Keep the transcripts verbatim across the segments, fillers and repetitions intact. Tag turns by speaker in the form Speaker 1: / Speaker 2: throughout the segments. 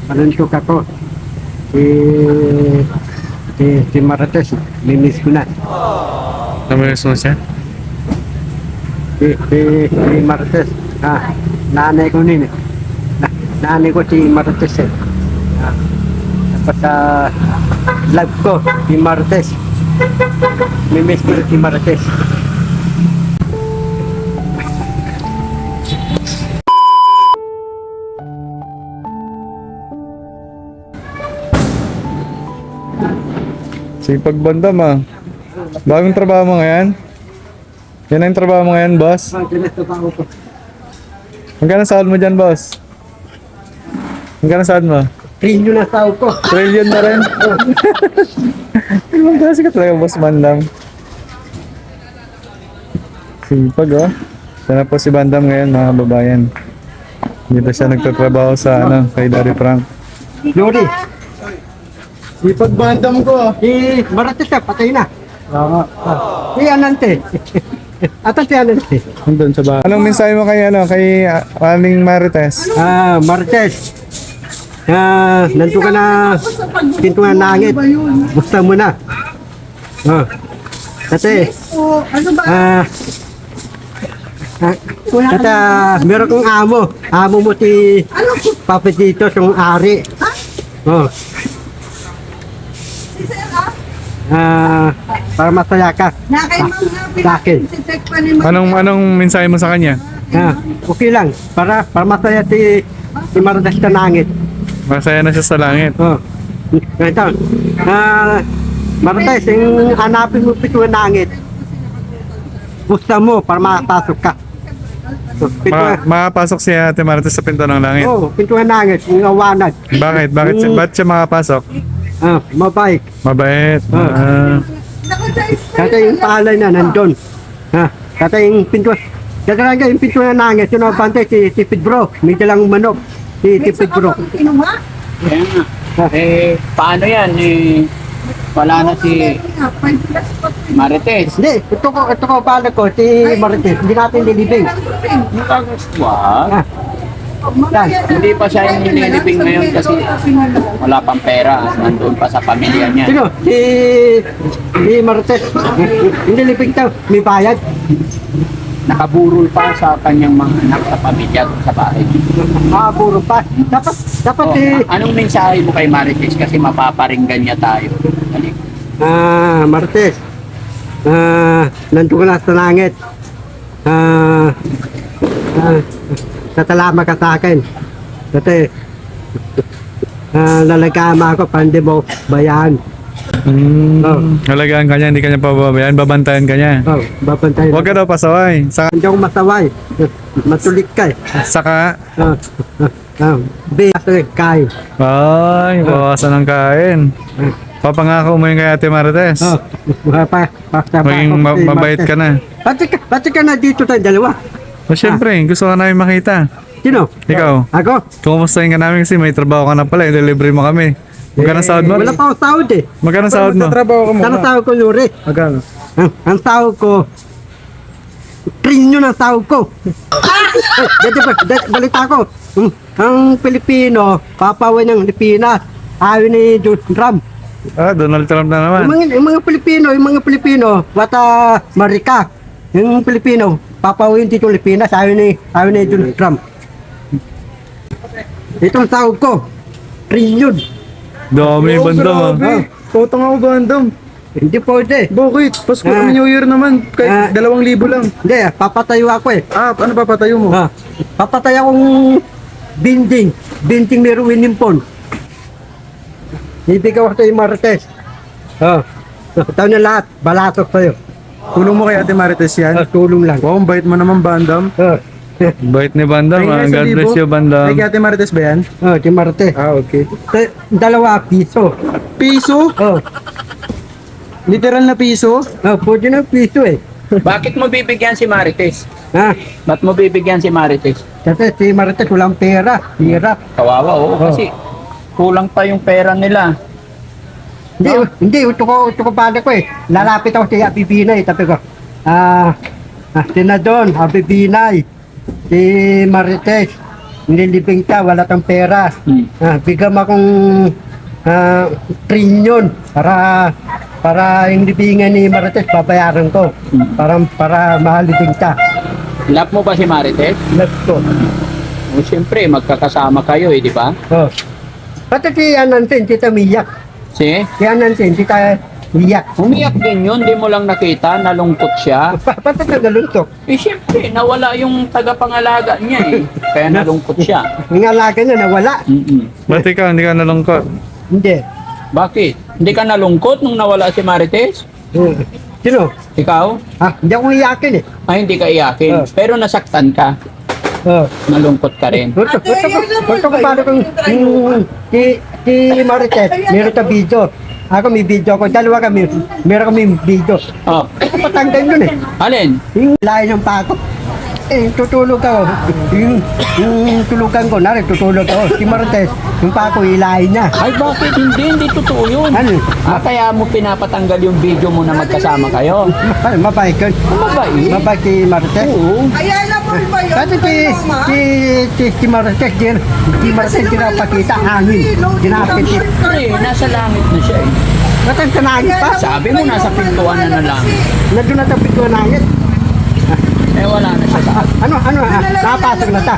Speaker 1: Panuntok ako. Si, si, si Marites, minis ko na.
Speaker 2: Namiss mo siya?
Speaker 1: Si, si, si Marites, ah, nanay ko nini. Na, nanay ko si Marites eh. Ah, tapos sa vlog ko, si Marites. Mimis ko si Marites.
Speaker 2: Sipag bandam ah. Bagong trabaho mo ngayon? Yan ang trabaho mo ngayon, boss?
Speaker 1: Ah, ganito pa ako po.
Speaker 2: Magkano sahod mo dyan, boss? Magkano sahod mo?
Speaker 1: Trilyo na tao ko.
Speaker 2: Trillion na rin. Ibang klase ka talaga, boss Bandam. Sipag oh. Sana po si Bandam ngayon, mga babayan. Dito siya nagtatrabaho sa ano, kay Daddy Frank.
Speaker 1: Lori,
Speaker 2: Sipag Bandam ko.
Speaker 1: si Marites siya, patay na.
Speaker 2: Tama.
Speaker 1: Ah, si Anante. Ata si Anante.
Speaker 2: Nandun sa bahay. Anong mensahe mo kay ano, kay uh, Aling Marites?
Speaker 1: Ah, Marites. Ah, nanto ka na pinto ng langit. Gusto mo na. Ah. Kasi ah Ah, at ah, meron kong amo. Amo mo si Papa Tito, yung ari. Oh. Ah, para masaya ka.
Speaker 3: Na kay
Speaker 1: Ah,
Speaker 3: mga
Speaker 1: sa akin.
Speaker 3: pinag-check pa ni Ma'am.
Speaker 2: Anong anong mensahe mo sa kanya?
Speaker 1: Ah, okay lang. Para para masaya si si Marites sa langit.
Speaker 2: Masaya na siya sa langit.
Speaker 1: Oh. Ito. Ah, Marites, yung hanapin mo pito ng langit. Gusto mo para makapasok ka. So, pito,
Speaker 2: Ma makapasok si Ate Marites sa pinto ng langit.
Speaker 1: oh, pito ng langit, yung awanag.
Speaker 2: Bakit? Bakit siya, ba't siya makapasok?
Speaker 1: Ah, mabait.
Speaker 2: Mabait.
Speaker 1: Ah.
Speaker 2: Ah.
Speaker 1: Kata yung palay na nandun. Ha, kata yung pinto. Kata lang yung pinto ng langit, yung nabantay si, si Pedro. May dalang manok. Si, si Pedro.
Speaker 3: Kinuha?
Speaker 4: Kaya nga. Eh, paano yan? Eh, wala na si Marites.
Speaker 1: Hindi, ito ko, ito ko pala ko, si Marites. Hindi natin nilibing.
Speaker 4: Wag.
Speaker 1: Ah, yan.
Speaker 4: Hindi pa siya yung nililibing ngayon kasi wala pang pera. Nandun pa sa pamilya niya.
Speaker 1: Sino? Si, si Marites. Hindi libing daw, may bayad.
Speaker 4: Nakaburol pa sa kanyang mga anak sa pamilya dun sa bahay.
Speaker 1: Ah, puro pa. Dapat, dapat
Speaker 4: Oh,
Speaker 1: si,
Speaker 4: a- anong mensahe mo kay Marites? Kasi mapaparinggan niya tayo. Dali.
Speaker 1: ah, Marites. Ah, nandun ka na sa langit. Ah, ah, tatalama ka sa akin. Kasi, ah, lalagama ako, pandi mo bayan.
Speaker 2: Hmm.
Speaker 1: Oh.
Speaker 2: Halagaan ka niya, hindi ka niya pababayaan, babantayan ka niya.
Speaker 1: Oh, babantayan.
Speaker 2: Huwag ka daw pasaway. Saka,
Speaker 1: Hindi ako masaway. Matulik ka eh.
Speaker 2: saka
Speaker 1: Ah, ah, ah, be, kain.
Speaker 2: ay, bawasan ng kain. Papangako mo yung kay Ate Marites.
Speaker 1: Oh, pa, pa, pa,
Speaker 2: Maging ma- mabait ka na.
Speaker 1: Pati ka, pati ka na dito tayo dalawa.
Speaker 2: O syempre, gusto ka namin makita.
Speaker 1: Sino?
Speaker 2: Ikaw,
Speaker 1: Ako?
Speaker 2: kumustahin ka namin kasi may trabaho ka na pala, i-delivery mo kami. Magkano sahod mo?
Speaker 1: Wala pa ako sahod eh.
Speaker 2: Magkano sahod mo?
Speaker 1: Saan sahod ko, Luri?
Speaker 2: Magkano?
Speaker 1: Ang, ang sahod ko, trinyo ng sahod ko. Eh, dati ba, dati, balita ko, hmm, ang Pilipino, papawin ng Pilipinas, ayaw ni Donald Trump.
Speaker 2: Ah, Donald Trump na naman.
Speaker 1: Yung mga, yung mga Pilipino, yung mga Pilipino, wata Marika, yung Pilipino, papawin dito Pilipinas, ayaw ni, ayaw ni Donald Trump. Itong sahod ko, trillion.
Speaker 2: Dami
Speaker 5: Oh,
Speaker 2: bandam ah.
Speaker 5: Utang ako bandam.
Speaker 1: Hindi pwede.
Speaker 5: Bakit? Pasko
Speaker 1: Ah.
Speaker 5: New Year naman.
Speaker 1: Ah.
Speaker 5: Kahit dalawang libo lang.
Speaker 1: Hindi, papatayo ako eh.
Speaker 5: Ah, ano papatayo mo?
Speaker 1: Ha, papatay akong binding. Binding ni Ruin Nimpon. Ibigay ko sa Marites. Ha, tayo na lahat. Balatok sa'yo.
Speaker 5: Tulong mo kay Ate Marites
Speaker 1: Ha,
Speaker 5: yan.
Speaker 1: tulong lang.
Speaker 5: Wow, ang bait mo naman bandam.
Speaker 1: Ha,
Speaker 2: Bait ni Bandam ah.
Speaker 5: Tingnan sa
Speaker 2: God
Speaker 5: libo.
Speaker 2: bless you Bandam.
Speaker 5: Kay Ate Marites ba yan?
Speaker 1: ha, si Marites.
Speaker 5: Ah, okay.
Speaker 1: Ta- Dalawa piso.
Speaker 5: Piso?
Speaker 1: Oh,
Speaker 5: Literal na piso?
Speaker 1: oh, pwede na piso eh.
Speaker 4: Bakit mo bibigyan si Marites?
Speaker 1: Ha,
Speaker 4: Ba't mo bibigyan si Marites?
Speaker 1: kasi si Marites walang pera. Hirap.
Speaker 4: Kawawa, oo. Kasi kulang pa yung pera nila.
Speaker 1: Hindi, hindi, ito ko, ito ko pala ko eh. Lalapit ako si Happy Binay, tabi ko. Ah, ah, Senador, Happy Binay, si Marites, nililibing ka, wala kang pera.
Speaker 4: Hmm.
Speaker 1: Ah, bigyan mo akong ah, trilyon para para yung libingan ni Marites babayaran ko.
Speaker 4: Hmm.
Speaker 1: Para para mahalibing ka.
Speaker 4: Love mo ba si Marites?
Speaker 1: Let's go.
Speaker 4: O siyempre, magkakasama kayo eh, di ba?
Speaker 1: Oh. Pati si Anantin, tita Miyak.
Speaker 4: Si?
Speaker 1: Si Anantin, tita Miyak.
Speaker 4: Umiyak din yun, di mo lang nakita, nalungkot siya.
Speaker 1: Pa- Pati nagaluntok.
Speaker 4: Eh siyempre, nawala yung tagapangalaga niya eh. Kaya nalungkot siya.
Speaker 1: Yung alaga na nawala.
Speaker 4: Mm-mm.
Speaker 2: Ba't ikaw, hindi ka nalungkot?
Speaker 1: Hindi.
Speaker 4: Bakit? Hindi ka nalungkot nung nawala si Marites?
Speaker 1: Eh, Sino?
Speaker 4: Ikaw?
Speaker 1: Ah, hindi ako iyakin eh.
Speaker 4: Ay, hindi ka iyakin.
Speaker 1: Oh.
Speaker 4: Pero nasaktan ka.
Speaker 1: Oh.
Speaker 4: Nalungkot ka rin.
Speaker 1: Gusto, gusto ko, gusto ko paano kung yung si, si Marites, meron ka video. Ako may video ko, dalawa kami, meron kami video.
Speaker 4: Oh.
Speaker 1: Ako patanggal nun eh.
Speaker 4: Alin?
Speaker 1: Yung layo ng pako. Eh, tutulog ako. Yung, yung tulugan ko, nari, tutulog ako. Si Marites, yung pako, ilahin niya.
Speaker 4: Ay, bakit hindi? Hindi totoo yun.
Speaker 1: Ano?
Speaker 4: Ah, kaya mo pinapatanggal yung video mo na magkasama kayo.
Speaker 1: Ay, mabait yun.
Speaker 4: Mabait?
Speaker 1: Mabait si Marites.
Speaker 4: Oo.
Speaker 3: Ayan na po ba yun?
Speaker 1: Kasi si, si, si, si Marites, di, si Marites dinapakita, hangin. Dinapit.
Speaker 4: Pre, nasa langit na siya eh.
Speaker 1: Natang kanangit pa.
Speaker 4: Sabi mo, nasa pintuan na na lang.
Speaker 1: Nandun na tapit ko nangit.
Speaker 4: Eh, wala na siya sa
Speaker 1: Ano, ano, ah, napasok na ta.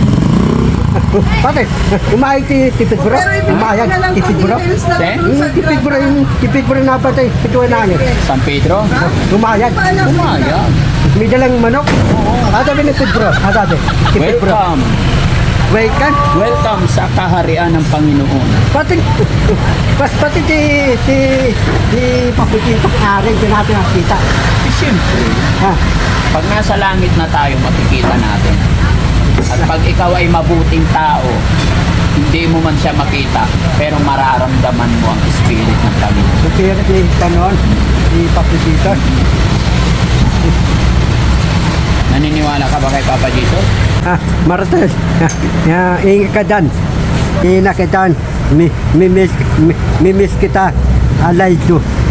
Speaker 1: Pati, umayag si Tipid Bro. Umayag, Tipid Bro.
Speaker 4: Si?
Speaker 1: Yung Tipid Bro, yung Tipid Bro na patay, pituwa nangit.
Speaker 4: San Pedro.
Speaker 1: Umayag.
Speaker 4: Umayag.
Speaker 1: May dalang manok. Ah, sabi ni Tipid Bro. Ah, sabi, Tipid Bro.
Speaker 4: Welcome.
Speaker 1: Wait ka.
Speaker 4: Welcome sa kaharian ng Panginoon.
Speaker 1: Pati, pas, pati si, si, si Paputintong Aring, di natin nakita.
Speaker 4: Eh, siyempre,
Speaker 1: Ha?
Speaker 4: pag nasa langit na tayo, makikita natin. At pag ikaw ay mabuting tao, hindi mo man siya makita, pero mararamdaman mo ang spirit ng Panginoon.
Speaker 1: So, kaya si Panon, si Paputintong.
Speaker 4: Naniniwala ka ba kay Papa Jesus?
Speaker 1: Ah, Marites, ah, ingat ka dyan. Ingat ka dyan. Mi, mi, miss, mi, mi miss kita. I like you.